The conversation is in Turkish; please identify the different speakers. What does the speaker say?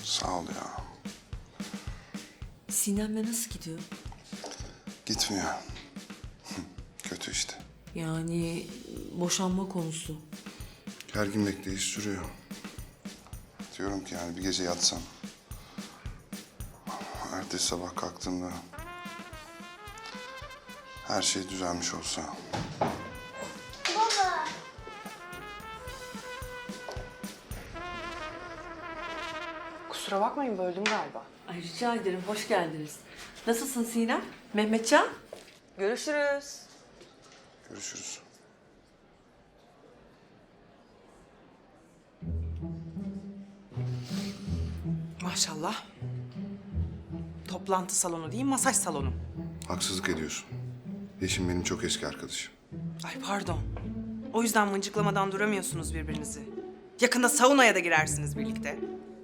Speaker 1: Sağ ol ya.
Speaker 2: Sinem'le nasıl gidiyor?
Speaker 1: Gitmiyor. Kötü işte.
Speaker 2: Yani boşanma konusu.
Speaker 1: Gergin bekleyiş sürüyor. Diyorum ki yani bir gece yatsam. Ertesi sabah kalktığımda her şey düzelmiş olsa.
Speaker 3: Kusura bakmayın, böldüm galiba.
Speaker 2: Ay rica ederim, hoş geldiniz. Nasılsın Sinem? Mehmetcan?
Speaker 3: Görüşürüz.
Speaker 1: Görüşürüz.
Speaker 3: Maşallah. Toplantı salonu değil, masaj salonu.
Speaker 1: Haksızlık ediyorsun. Yeşim benim çok eski arkadaşım.
Speaker 3: Ay pardon. O yüzden mıncıklamadan duramıyorsunuz birbirinizi. Yakında saunaya da girersiniz birlikte.